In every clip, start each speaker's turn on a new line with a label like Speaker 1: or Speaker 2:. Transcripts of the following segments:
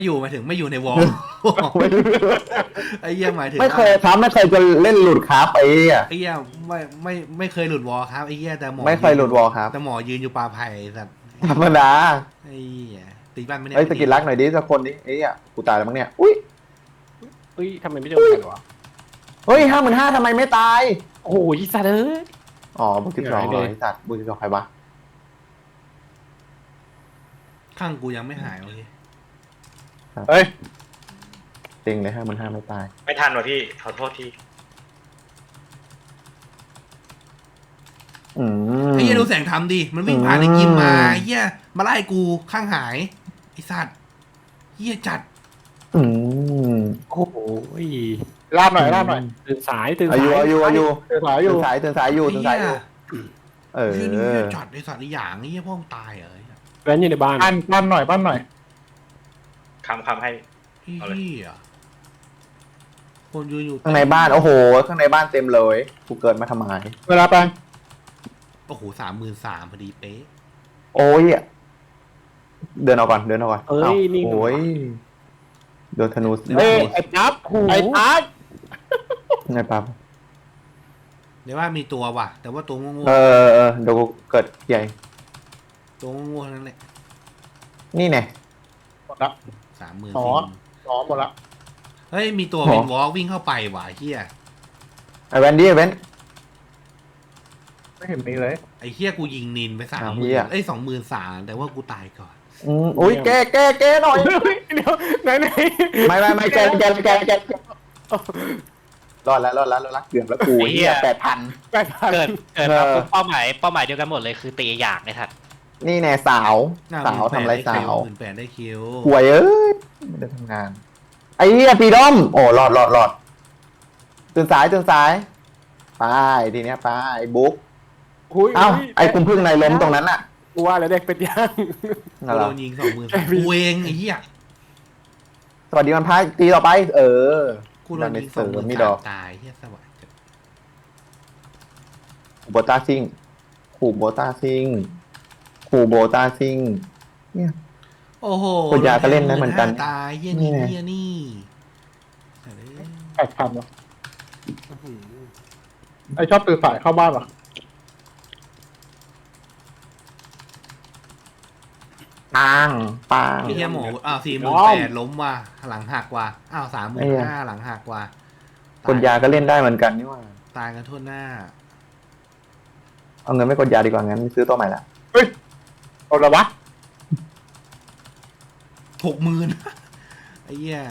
Speaker 1: อยู่หมายถึงไม่อยู่ในวอลไอ้เหี้ยหมายถึง
Speaker 2: ไม่เคยครับไม่เคยจะเล่นหลุดครับไอ้เหี้ย
Speaker 1: ไอ้เหี้ยไม่เคยหลุดวอลครับไอ้เหี้ยแต่หมอ
Speaker 2: ไม่เคยหลุดวอลครับ
Speaker 1: แต่หมอยืนอยู่ปลาไผ่สัตว์
Speaker 2: ธรรมดา
Speaker 1: ไอ้เหี้ยตีบ้านไม่ได้
Speaker 2: เฮ้ยสกิลรักหน่อยดิสักคนดิไอ้เหี้ยกูตายแล้วมั้งเนี่ยอุ้ย
Speaker 3: เฮ้ยทำไมไม่โดนกันวะ
Speaker 2: เฮ้ย55,000ทำไมไม่ตาย
Speaker 3: โอ้โหยี่สัตว์เอ้ย
Speaker 2: อ๋อบุก12เหร
Speaker 3: หาย
Speaker 2: อ
Speaker 3: เลย
Speaker 2: ไอ้สัตว์บุก12ใครวะ
Speaker 1: ข้างกูยังไม่หายโอเค
Speaker 2: เฮ้ยจริงเลย55,000ไม่ตาย
Speaker 4: ไม่ทันว่ะพี่ขอโทษที
Speaker 2: อืม
Speaker 1: ไอ้เหี้ยดูแสงทำดิมันวิ่งผ่านไอ้กิมมาไอ้เหี้ยมาไล่กูข้างหายไอ้สัตว์เหี้ยจัด
Speaker 2: อืม
Speaker 3: โอ้โห
Speaker 5: ลาบหน่อยลาบหน่อย
Speaker 3: ตื่นสายตื่น
Speaker 2: อา
Speaker 3: สาย
Speaker 2: ยุ
Speaker 5: เสือสายอยู่
Speaker 2: ตื่นสายอยู่
Speaker 1: ไอ้
Speaker 2: ตื่น
Speaker 1: เหี้
Speaker 2: สาย ยอยู่เออ
Speaker 1: เหี้ยนี่เหี้ยจัดไอ้สัตว์ไอ้หยางไอ้เหี้ยพ่อมึงตายเหรอไอ้เหี้ย
Speaker 3: แว้นอยู่ในบ้าน
Speaker 5: ปั้นหน่อยปั้นหน่อย
Speaker 4: คำให้
Speaker 1: ไอ้เหี้ยคนยืนอยู่
Speaker 2: ข้างในบ้านโอ้โหข้างในบ้านเต็มเลยกูเกิดมาทำไม
Speaker 5: เวลาแปลง
Speaker 1: โอ้โห33,000พอดีเป๊ะ
Speaker 2: โอ้ยเดินเอาก่อนเดินเอาก่อน
Speaker 3: เอ้ยนี่
Speaker 2: โอ้ยโดนธนู
Speaker 5: เอ้ยไอ้ปั๊บไอ้ปั๊บ
Speaker 2: ไงปั๊บ
Speaker 1: เดี๋ยวว่ามีตัวว่ะ แต่ว่าตัวโง่
Speaker 2: เออเดี๋ยวกูเกิดใหญ่
Speaker 1: ๆตัวโง่ๆทั้งนั้นแหละ
Speaker 2: นี่ไง
Speaker 5: หมดละ
Speaker 1: 30,000
Speaker 5: อ๋อ อ๋อหมดละ
Speaker 1: เฮ้ยมีตัว
Speaker 2: หรอ
Speaker 1: วินวอล์กวิ่งเข้าไปว่ะเฮีย
Speaker 2: ไอแวนดี้ไอแวน
Speaker 5: ไม่เห็นมีเลย
Speaker 1: ไอ้เฮียกูยิงนินไป
Speaker 2: อ้าว
Speaker 1: 30,000
Speaker 2: เหี้ย
Speaker 1: เอ้ย23,000แต่ว่ากูตายก่อน
Speaker 2: อุ้ยแกหน่อย
Speaker 3: เดี๋ยวไหน
Speaker 2: ไม่แกรอดแล้วเกือบแล้วกูเฮีย8,000
Speaker 3: แปดพัน
Speaker 6: เกิดมาปุ๊บเป้าหมายเดียวกันหมดเลยคือตีอย่างไอ้ทัด
Speaker 2: นี่แน่สาวทำไรสาว
Speaker 1: 18,000ได้คิว
Speaker 2: ป่วยเอ้ยไม่ได้ทำงาน ไอ้เหี้ยปีดอมโอ้รอดตื่นสายไปทีเนี้ยไปบุ๊ก
Speaker 3: หุย
Speaker 2: เอ้าไอ้คุณพึ่งในล้มตรงนั้นน่ะ
Speaker 3: กูว่าแล้วเด็กเป็ดย่าง
Speaker 2: นั่น
Speaker 1: กู
Speaker 2: เหร
Speaker 1: โด
Speaker 2: อน
Speaker 1: ยิง23,000กูเองไอ้เฮีย
Speaker 2: สวัสดีวันพายตีต่อไป
Speaker 1: กูโดนยิง
Speaker 2: เสริมมีดอก
Speaker 1: 23,000ตายเฮียสวัสดี
Speaker 2: โบตาซิงขู่โบตาซิงเนี่ย
Speaker 1: โอ้โห
Speaker 2: คุณยาก็เล่นได้เหมือนกัน
Speaker 1: ตายเฮียนี่
Speaker 2: นี่ไง
Speaker 1: เฮียนี่
Speaker 5: 8,000วะไอ้ชอบตื่นสายเข้าบ้านวะ
Speaker 2: ปัง
Speaker 1: ไอ้เฮียหมอ48,000ล้มว่ะหลังหักว่ะอ้าว35,000หลังหักว่ะ
Speaker 2: กดยาก็เล่นได้เหมือนกันนี่ว่า
Speaker 1: ตายกันทั่วหน้า
Speaker 2: เอาเงินไม่กดยาดีกว่างั้นซื้อตัวใหม่ละ
Speaker 5: เฮ้ยเอาละวะ
Speaker 1: 60,000 ไอ้เหี้ย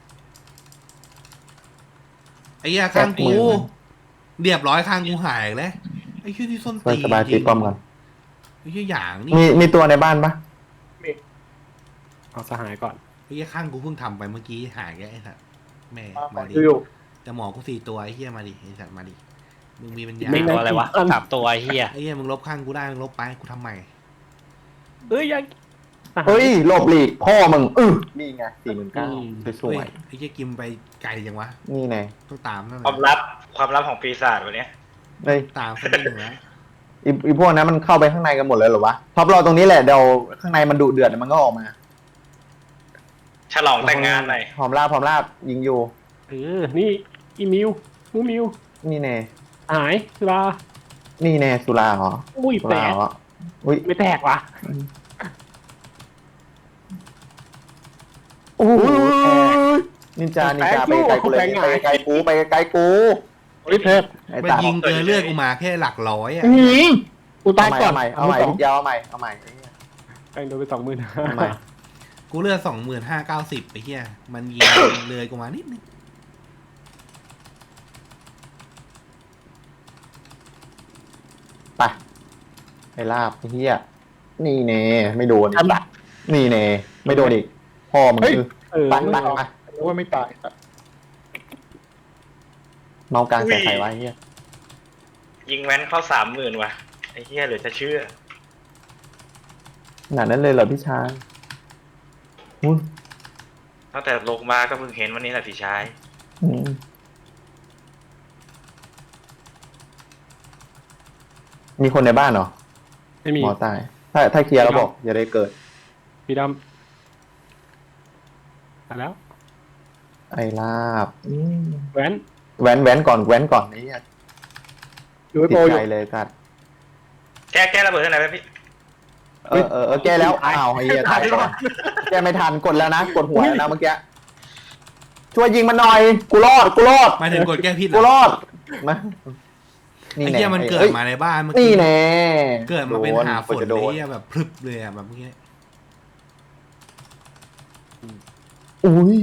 Speaker 1: ข้างกูเรียบร้อยข้างกูหายอีกแล้วไอ้เหี้ยที่ส้นตีน
Speaker 2: สบายตีป้อมก่อน
Speaker 1: ไอ้เหี้ยอย่างนี่
Speaker 2: มีตัวในบ้านปะ
Speaker 3: เอาสหายก่อน
Speaker 1: ไอ้เหี้ยข้างกูเพิ่งทำไปเมื่อกี้หายแกไอ้สัตว์แม่มาดิ
Speaker 5: อยู่
Speaker 1: แต่หมอกู4 ตัวไอ้เหี้ยมาดิไอ้สัตว์มาดิมึงมีปัญญา
Speaker 6: ไม่ตัวอะไรวะ3 ตัวไอ้เฮีย
Speaker 1: ไอ้เหี้ยมึงลบข้างกูได้มึงลบไปกูทำใหม่
Speaker 3: เอ้ยยัง
Speaker 2: เฮ้ยหลบหลีกพ่อมึงนี่ไง49,000สวย
Speaker 1: ไอ้เหี้ยกิมไปไกลจังวะ
Speaker 2: ๆนี่ไง
Speaker 1: ต้องตามนั่นแห
Speaker 4: ความ
Speaker 1: ละ
Speaker 4: ลับของปีศาจวันเนี้ย
Speaker 2: เฮ้ย
Speaker 1: ตามสักนิดหนึ่งแล้ว
Speaker 2: อีพวกนั้นมันเข้าไปข้างในกันหมดเลยเหรอวะท็อปรอตรงนี้แหละเดี๋ยวข้างในมันดุเดือดมันก็ออกมา
Speaker 4: ฉลองแต่งงานหน่อย
Speaker 2: หอมลาบยิงอยู่
Speaker 3: นี่อีมิวมิว
Speaker 2: นี่แน่
Speaker 3: หายสุรา
Speaker 2: นี่แน่สุราเหรอ
Speaker 3: อุ้ย
Speaker 2: สุ
Speaker 3: แต
Speaker 2: ราก เหรออุ้ย
Speaker 3: ไม่แตกว่ะ
Speaker 2: โอ้โหนินจาไปไกลกูเลยไปไกลกู
Speaker 5: โอ้ยเทพ
Speaker 2: ไอ้
Speaker 1: มัน
Speaker 2: ตา
Speaker 1: ยิงเกินเลือดกูมาแค่หลักร้อยอ่ะ
Speaker 5: กูตายก่อน
Speaker 2: เอาใหม่ยาวเอาใหม่
Speaker 3: แตงโดนไป20,000
Speaker 2: เอาใหม่
Speaker 1: กูเลือด25,590ไปเฮียมันยิงเลยกูมานิดนึง
Speaker 2: ไปลาบเฮียนี่เน่ไม่โดนนี่เน่ไม่โดนอีกพ่อมึงปันมา
Speaker 5: รู้ว่าไม่ตาย
Speaker 2: เมากลางใส่ไข่ไว้เฮีย
Speaker 4: ยิงแว้นเข้า30,000ว่ะไอ้เหี้ยเหลือจะเชื่อ
Speaker 2: ขนาดนั้นเลยเหรอพี่ชาย
Speaker 4: ตั้งแต่ลงมาก็เพิ่งเห็นวันนี้แหละพี่ชาย
Speaker 2: มีคนในบ้านเหรอ
Speaker 3: ไม่มี
Speaker 2: หมอตายถ้าเคลียร์แล้วบอกอย่าได้เกิด
Speaker 3: พี่ดมาแล้ว
Speaker 2: ไอ้ลาบ
Speaker 3: แว้น
Speaker 2: แว้นก่อนไอ้เหี้ย
Speaker 5: อยู่ไอ้
Speaker 2: ติ
Speaker 5: โป
Speaker 2: ด
Speaker 5: อ
Speaker 2: ใจ
Speaker 5: ยู่
Speaker 2: เลยสัตว์
Speaker 4: แก้ระเบิดข้างในไหมพี่
Speaker 2: แก้แล้วอ้าวไอ้เหี้ยตายก่อนแก้ไม่ทันกดแล้วนะกดหัวแล้วนะเมื่อกี้ช่วยยิงมันหน่อยกูรอด
Speaker 1: หมายถึงกดแก้พิษเหร
Speaker 2: กู
Speaker 1: อ
Speaker 2: รอดมา
Speaker 1: ไอ้เหี้ยมันเกิดมาในบ้านเมื่อ
Speaker 2: นี่
Speaker 1: กี้
Speaker 2: แน่
Speaker 1: เกิดมาเป็นหาฝน
Speaker 2: จะ
Speaker 1: เล
Speaker 2: โด
Speaker 1: ย
Speaker 2: น
Speaker 1: เหี้ยแบบพรึบเลยอะแบบเมื่อกี้
Speaker 2: อุ้ย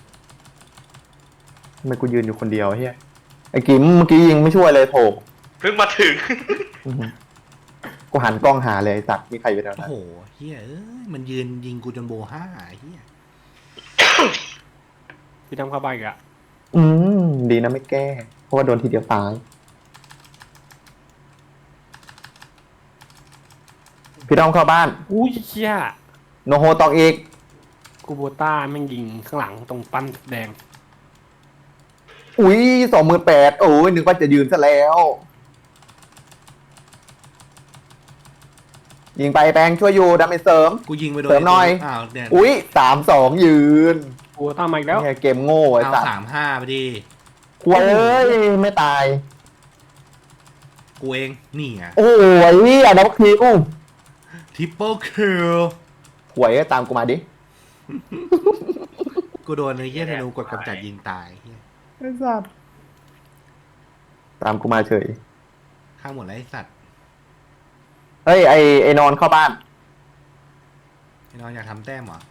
Speaker 2: ทำไมกูยืนอยู่คนเดียวเฮียไอ้กิมเมื่อกี้ยิงไม่ช่วยเลยโถ
Speaker 4: เพิ่งมาถึง
Speaker 2: กูหันกล้องหาเลยไอ้สัตว์มีใครอยู่แถว
Speaker 1: โอ้
Speaker 2: นั้น
Speaker 1: โหเฮียเอ้ยมันยืนยิงกูจนโบห้าเฮีย
Speaker 3: พี่ทำเข้าไปอีกอะ
Speaker 2: ดีนะไม่แก้ เพราะว่าโดนทีเดียวตายพี่ต้องเข้าบ้าน
Speaker 3: อุ้ยเชี่ย
Speaker 2: โนโฮตอกอีก
Speaker 3: กูโบต้าแม่งยิงข้างหลังตรงปั้นแดง
Speaker 2: อุ้ย28,000โอ้ยนึกว่าจะยืนซะแล้ว ยิงไปแปงช่วยอยู่ดาเมจเสริม
Speaker 1: กูยิงไปโดน
Speaker 2: เสริมหน่อย
Speaker 1: อ้าวเนี่ย
Speaker 2: อุ้ย3-2 ยืน
Speaker 3: กูโบต้ามาอีกแล้ว
Speaker 2: เนี่ยเกมโง่ไอ้
Speaker 1: เอา
Speaker 2: สัตว์
Speaker 1: 35ไปดิ
Speaker 2: ควยเอ้ยไม่ตาย
Speaker 1: กูเองนี่อ่ะ
Speaker 2: โอ้ยอ่ะดับคิว
Speaker 1: ทิปเปิลคิล
Speaker 2: หวยก็ตามกูมาดิ
Speaker 1: กูโดนไอ้เหี้ยธนูกดกำจัดยิงตายเหี้ย
Speaker 2: ไอ้สัตว์ตามกูมาเฉย
Speaker 1: ฆ่าหมดแล้วไอ้สัตว์
Speaker 2: เฮ้ยไอ้นอนเข้าบ้าน
Speaker 1: ไอ้น้องอยากทำแต้มเหรอ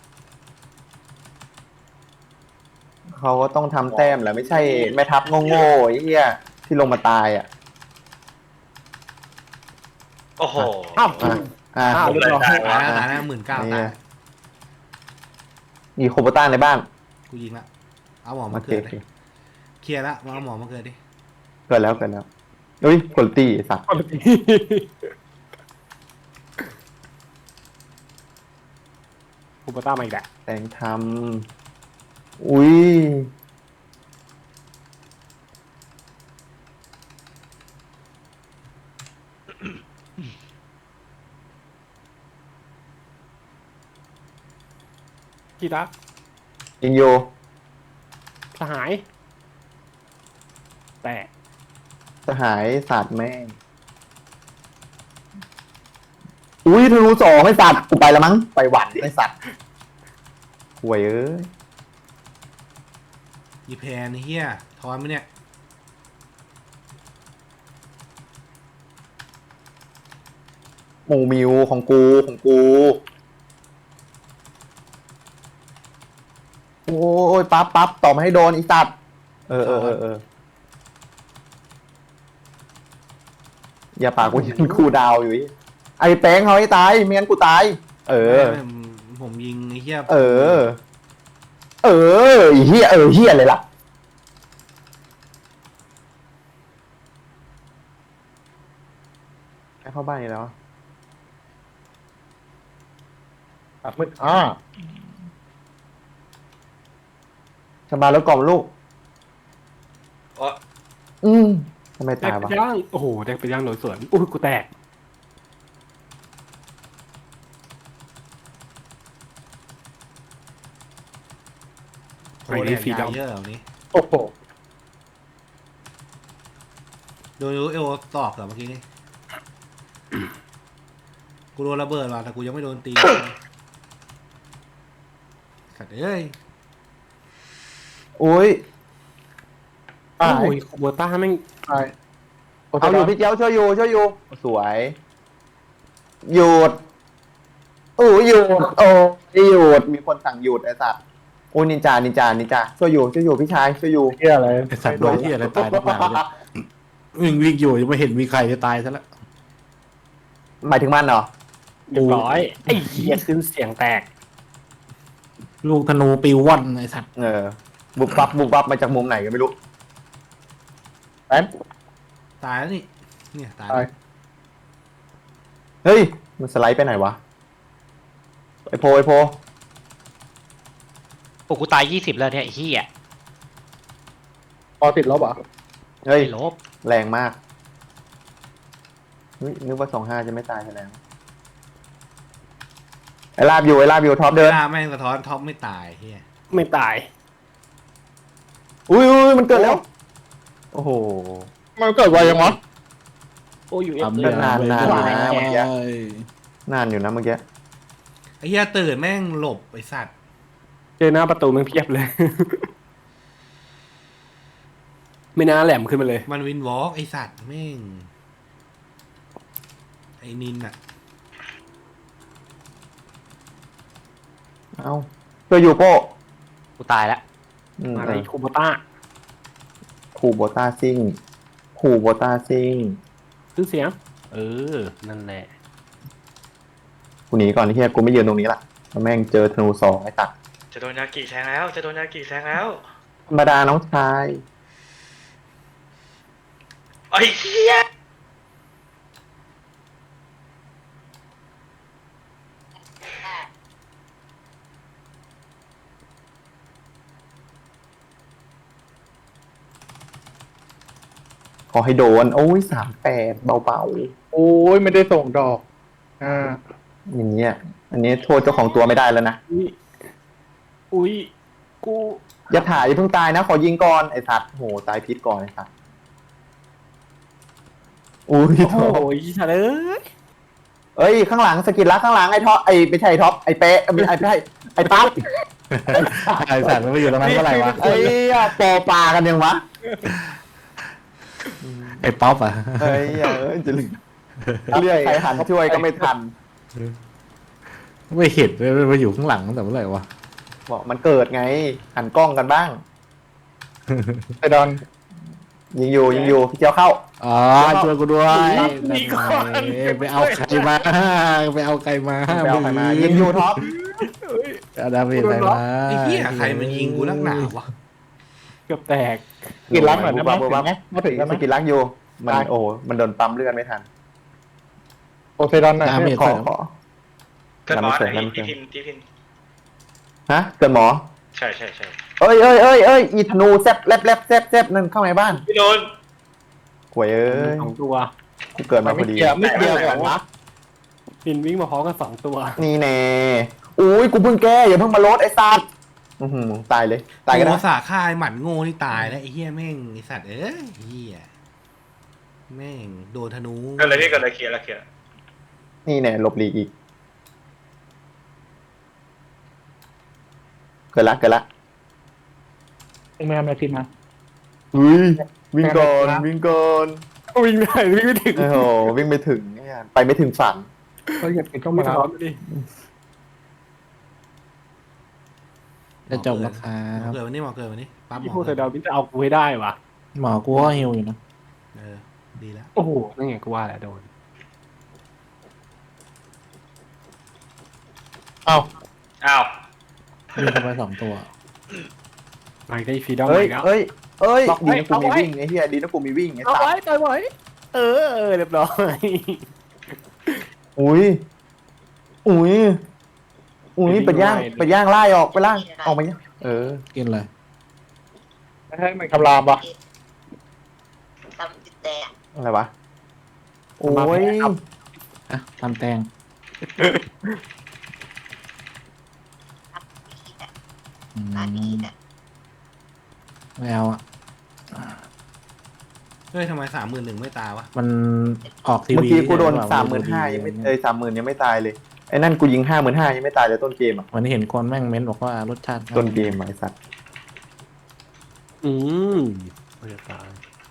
Speaker 2: เขาก็ต้องทำแต้มแหละไม่ใช่แม่ทัพโง่ๆไอ้เหี้ยที่ลงมาตายอ่ะ
Speaker 4: โอ้โห
Speaker 2: อ่ะ
Speaker 3: อ้าวเรียบร้อย
Speaker 1: ตายนะ19,000ตาย
Speaker 2: มีโคโบต้าในบ้าน
Speaker 1: กูยิงละเอาหมอ
Speaker 2: โอ
Speaker 1: มา
Speaker 2: เค
Speaker 1: เกิด
Speaker 2: โอ
Speaker 1: เล
Speaker 2: เค
Speaker 1: ยเคลียร์ละเอาหมอมาเกิดดิ
Speaker 2: เกิดแล้วอุ้ยคุณตี้ไอ้สัตว์
Speaker 3: กูโบต้ามาอีกแล้ว
Speaker 2: แต่งทำอุ้ย
Speaker 3: พี่รัก
Speaker 2: ยิงโย
Speaker 3: สหาย แต่
Speaker 2: สหายสัตว์แม่งอุ้ยธนู2ไอ้สัตว์กูไปแล้วมั้งไปหวันไอ้สัตว์หวยเอ้ย
Speaker 1: ยีแพนไอ้เหี้ยทอนไหมเนี่ย
Speaker 2: หมูมิวของกู โอ้ยปั๊บต่อมาให้โดนอีสัตว์เอออย่าปากกูยิงคูดาวอยู่อีไอ้แป้งเขาให้ตายไม่งั้นกูตาย เออ
Speaker 1: ผมยิงไอ้เหี้ย
Speaker 2: ไอ้เฮียเฮียเลยล่ะให้เข้าบ้านอีกแล้ว
Speaker 5: ปากมืด
Speaker 2: ชบาแล้วกล่อมลูก
Speaker 4: อ๋อ
Speaker 2: ทำไม
Speaker 3: แด
Speaker 2: ตาก ย
Speaker 3: ไป
Speaker 2: วะ
Speaker 3: ย่างโอ้โหแดกไปย่างโดยสวนอุ้ยกูแตก
Speaker 1: โอ้ยเนี่ยยาเยอะเหล่านี้
Speaker 5: โอ้โห
Speaker 1: โดนเอลตอกเหรอเมื่อกี้นี่ กูโดนระเบิดว่ะแต่กูยังไม่โดนตีสัตว์เอ้ย
Speaker 2: โอ้ย
Speaker 3: โอ้ยกูโบต้าแม่ง
Speaker 5: ตาย
Speaker 2: เอาอยู่พี่เจ้าช่วยอยู่สวยหยุดหยุดหยุดมีคนสั่งหยุดไอ้สัตว์โอ้นินจาช่วยอยู่พี่ชายช่วยอยู่
Speaker 5: เฮียอะไร
Speaker 7: ไอสัตว์โดนที่อะไรตายนักหนาเนี่ยวิ่งอยู่ยังไม่เห็นมีใครจะตายซะแล้ว
Speaker 2: หมายถึงมันเหรอ
Speaker 3: เรียบร้อยไอ้เหี้ยขึ้นเสียงแตก
Speaker 7: ลูกธนูปิวว่อนไอสัตว์
Speaker 2: บุบบับมาจากมุมไหนก็ไม่รู้
Speaker 5: แป๊บ
Speaker 1: ตายแล้วนี่ เนี่ยตาย
Speaker 5: ตาย
Speaker 2: เฮ้ยมันสไลด์ไปไหนวะไอโพ
Speaker 6: โอ้กูตาย20แล้วเนี่ยไอ้เหี้ย
Speaker 5: พอติดลบเหรอ
Speaker 2: เฮ้ย
Speaker 6: ไม่ลบ
Speaker 2: แรงมากนึกว่า25จะไม่ตายแล้วไอลาบอยู่ท็อป
Speaker 1: เดิ
Speaker 2: เดิ
Speaker 1: น
Speaker 2: น
Speaker 1: แม่งสะท้อนท็อปไม่ตายเฮีย
Speaker 3: ไม่ตาย
Speaker 2: อุ้ยมันเกิดแล้ว โอ้โห
Speaker 5: มันเกิดไวยังวะ
Speaker 3: โอ้อยู่เอฟ
Speaker 7: ทำ
Speaker 3: เล
Speaker 7: เรื่อย ง
Speaker 2: นาน
Speaker 7: ไม่
Speaker 2: นาน
Speaker 7: ได้
Speaker 2: นานเมื่อกี้ นานอยู่นะเมื่อกี้
Speaker 1: ไอ้เหี้ยตื่นแม่งหลบไอ้สัตว์
Speaker 3: เจอหน้าประตูมันเพียบเลย ไม่น่าแหลมขึ้นมาเลย
Speaker 1: มันวินวอล์กไอ้สัตว์แม่งไอ้นินอะ
Speaker 2: เอ้าช่วยอยู่โป้
Speaker 6: กูตายแล้ว
Speaker 3: มาในคูโบต้า
Speaker 2: คูโบต้าซิ่งคูโบต้าซิ่ง
Speaker 3: ซื้อเสียง
Speaker 6: เออ นั่นแหละ
Speaker 2: กูหนีก่อนที่เฮียกูไม่ยืนตรงนี้ละแล้วแม่งเจอธนูสองไอ้ตัด
Speaker 4: จะโดนยากิแซงแล้วจะโดนยากิแซงแล้ว
Speaker 2: ธรรมดาน้องชาย
Speaker 4: ไอ้เหี้ย
Speaker 2: ขอให้โดน โอ้ย38เบา
Speaker 5: โอ้ยไม่ได้ส่งดอก
Speaker 2: ๆ
Speaker 5: อ่า
Speaker 2: อย่างเงี้ยอันนี้โทษเจ้าของตัวไม่ได้แล้วนะ
Speaker 3: อุ้ยกู
Speaker 2: อย่าถ่ายอย่าเพิ่งตายนะ ขอยิงก่อนไอ้สัตว์โหตายพิษก่อนไอ้สัตว์อุ้ย
Speaker 3: โอ้
Speaker 2: โถ
Speaker 3: ยฉันเอ้ย
Speaker 2: เอ้ยข้างหลังสกิลลักข้างหลังไอ้ท็อปไอ้ไม่ใช่ท็อปไอ้เป๊ะไม่ใช่ไอ้ปั๊บ
Speaker 7: ไอ้สัตว์มันไปอยู่ตรงนั้นเมื่อไหร่วะ
Speaker 2: ไอ้ปอปลากันยังวะ
Speaker 7: ไอ้ป๊อปอ่ะ
Speaker 2: เฮ้ยจะลืมเรียกใครหันช่วยก็ไม่ทัน
Speaker 7: ไม่เห็นเลยมันมาอยู่ข้างหลังตั้งแต่เมื่อไหร่วะ
Speaker 2: บอกมันเกิดไง หันกล้องกันบ้าง
Speaker 5: ไอดอน
Speaker 2: ยิงอยู่พี่เจียวเข้า
Speaker 7: อ๋อช่วยกูด้วยไปเอาใครมาไปเอาใครมา
Speaker 2: ไปเอาใครมายิงอยู่ท็อป
Speaker 7: เอาดาเมจใครมา
Speaker 1: ไอ้เหี้ยใครมันยิงกูนักหนาวะ
Speaker 3: เกือบแตก
Speaker 5: กินรักหน่อยได้ไหมถึงไหมมาถึงได้ไหม
Speaker 2: สกิลลักอยู่มันโอ้มันโดนปั๊มเลือดไม่ทัน
Speaker 5: โอไซดอนหน่อย
Speaker 7: ดาเมจ
Speaker 2: ขอ
Speaker 7: ใส่
Speaker 2: ขอ
Speaker 4: เกิดบอส
Speaker 2: น้ำเสร็จ
Speaker 4: ไอ้
Speaker 2: น้ำเสร็
Speaker 4: ที่
Speaker 2: จ
Speaker 4: พิน
Speaker 2: ฮะเกิดหมอ
Speaker 4: ใช่
Speaker 2: เอ้ยอีธนูแซบแลบแซบนั่นเข้าในบ้าน
Speaker 4: พี่โดน
Speaker 2: หวยเอ้ย
Speaker 3: 2 ตัว
Speaker 2: กูเกิดมาพอดี
Speaker 5: ไม่เกี่ยวกันวะ
Speaker 3: ปินวิ่งมาพร้อมกัน2 ตัว
Speaker 2: นี่แน่อุ้ยกูเพิ่งแก้อย่าเพิ่งมาลดไอ้สัตว์ตายเลยตายกัน
Speaker 1: โง่
Speaker 2: นะ
Speaker 1: สาค่ายหมันโง่ที่ตายแล้วไอ้เหี้ยแม่งไอ้สัตว์เอ้ยเหี้ยแม่งโดนธนู
Speaker 4: เกิดอะไรพี่เกิดอะไรเคลียร์
Speaker 2: นี่แน่หลบหลีกอีกเกิดละ
Speaker 5: แม่แม่พิมพ์มา
Speaker 2: อุ้ยวิ่งก่อนวิ่งก่อน
Speaker 3: วิ่งได้วิ่งไม่ถึง
Speaker 2: โอ้โหวิ่งไปถึงเนี่ยไปไม่ถึงฝัน
Speaker 5: เขาอยากกินก็
Speaker 3: ไม่
Speaker 5: มา
Speaker 3: พร้อมดิ
Speaker 7: จะจบแล้วครั
Speaker 1: หมอบ เกิดวันนี้หมอเกิดวันนี้ปั๊บหม
Speaker 3: พี่
Speaker 1: อ
Speaker 3: พูด
Speaker 1: เกิ
Speaker 3: แต่
Speaker 1: ด
Speaker 3: ดาวพี่จะเอากูให้ได้วะ
Speaker 7: หมอกูก็ฮิวอยู่นะ
Speaker 1: ดีแล้ว
Speaker 3: โอ้โหนั่นไงกูว่าแหละโดน
Speaker 5: อ้าว
Speaker 4: อ้าว
Speaker 7: มีเข้าไป2 ตัว
Speaker 3: มาได้ฟรีดอม
Speaker 2: เอ้ย
Speaker 3: แล้ว
Speaker 2: เอ้ยเอ้ย
Speaker 3: ล็อกไว้
Speaker 2: ดีนะกูมี
Speaker 3: เอาไว้
Speaker 2: วิ่งไอ้เหี้ยดีนะกูมีวิ่งไอ้
Speaker 3: เอา
Speaker 2: สัต
Speaker 3: ไว้
Speaker 2: ว์
Speaker 3: ต่อยไว้เออเรียบร้อย
Speaker 2: อุ้ยเป็ดย่างไล่ออกไปล่างออกมาเนี่ย
Speaker 7: กินเลย
Speaker 5: ไม่ให้มันคำรามปะ
Speaker 2: อะไรวะโอ้ย
Speaker 7: อ่ะทำแตงไม่เอาอ่ะ
Speaker 1: เฮ้ยทำไม31,000ไม่ตายวะ
Speaker 7: มันออกทีวี
Speaker 2: เมื่อกี้กูโดน
Speaker 7: ใช่ปะ
Speaker 2: 35,000ยังไม่30,000ยังไม่ตายเลยไอ้นั่นกูยิง55,000ยังไม่ตายเลยต้นเกมอ่ะ
Speaker 7: วันนี้เห็นคนแม่งเม้นบอกว่ารสชาติ
Speaker 2: ต้นเกมอะไอ้สัตว์
Speaker 3: อืมไม่จะตาย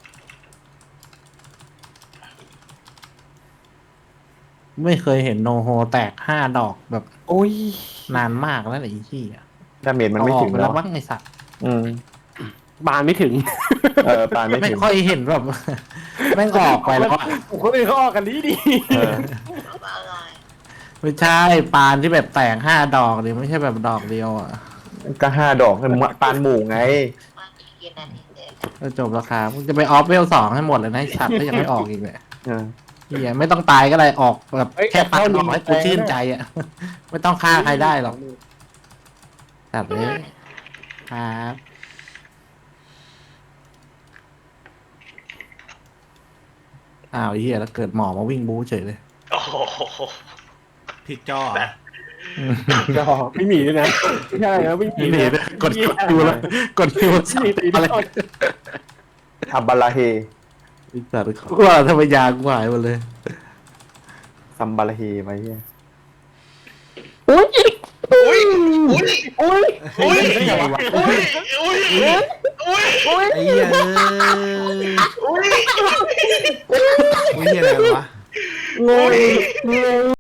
Speaker 7: ไม่เคยเห็นโนโฮแตก5 ดอกแบบ
Speaker 3: โอ้ย
Speaker 7: นานมากแล้วไอ้ที่อ่ะ
Speaker 2: ดาเมจมันไม่ถึง
Speaker 7: เอาออกไปแล้
Speaker 2: แล้ว ว
Speaker 7: บ้างไอ้สัตว์
Speaker 3: บานไม่ถึง
Speaker 2: ปานไม่
Speaker 7: ไม่
Speaker 2: ถึง
Speaker 7: ค่อยเห็นแบบ แม่งออกไปแล้วอะ
Speaker 3: คนอื่นเขาออกกันดีดี
Speaker 2: เออ
Speaker 7: ไม่ใช่ปานที่แบบแตก5 ดอกเลยไม่ใช่แบบดอกเดียวอ่ะ
Speaker 2: ก็5 ดอกเป็นปานหมู่ไง
Speaker 7: ก็จบราคามึงจะไปออฟเวล2ให้หมดเลยนะไอ้สัตว์ถ้ายังไม่ออกอีกเลย
Speaker 2: เออ
Speaker 7: เฮียไม่ต้องตายก็ได้ออกแบบแค่ปัดออกให้กูชื่นใจอ่ะ ไม่ต้องฆ่าใครได้หรอกสัตว์เลยครับอ้าวไอ้เฮียแล้วเกิดหมอมาวิ่งบู๊เฉยเลย
Speaker 4: โอ้โห
Speaker 1: ผิดจอ
Speaker 3: จอไม่มีด้วยนะไม่ใช่นะไม่มี
Speaker 7: ไม่มี
Speaker 3: นะ
Speaker 7: ด้วยกดคิวแล้วกดคิวสับอะไร
Speaker 2: ทำบาลาเฮ
Speaker 7: ไอ้สัตว์กูว่าทำไมยากูหายหมดเลย
Speaker 2: ซัมบาลาเฮไปเฮีย
Speaker 4: อุ้ยอุ้ยอุ้ย
Speaker 1: อุ้ย
Speaker 4: อุ้ยอุ้ยอุ้ย
Speaker 1: ไอ้เหี้ยอุ้ยเหี้ยอะไรวะ
Speaker 2: งง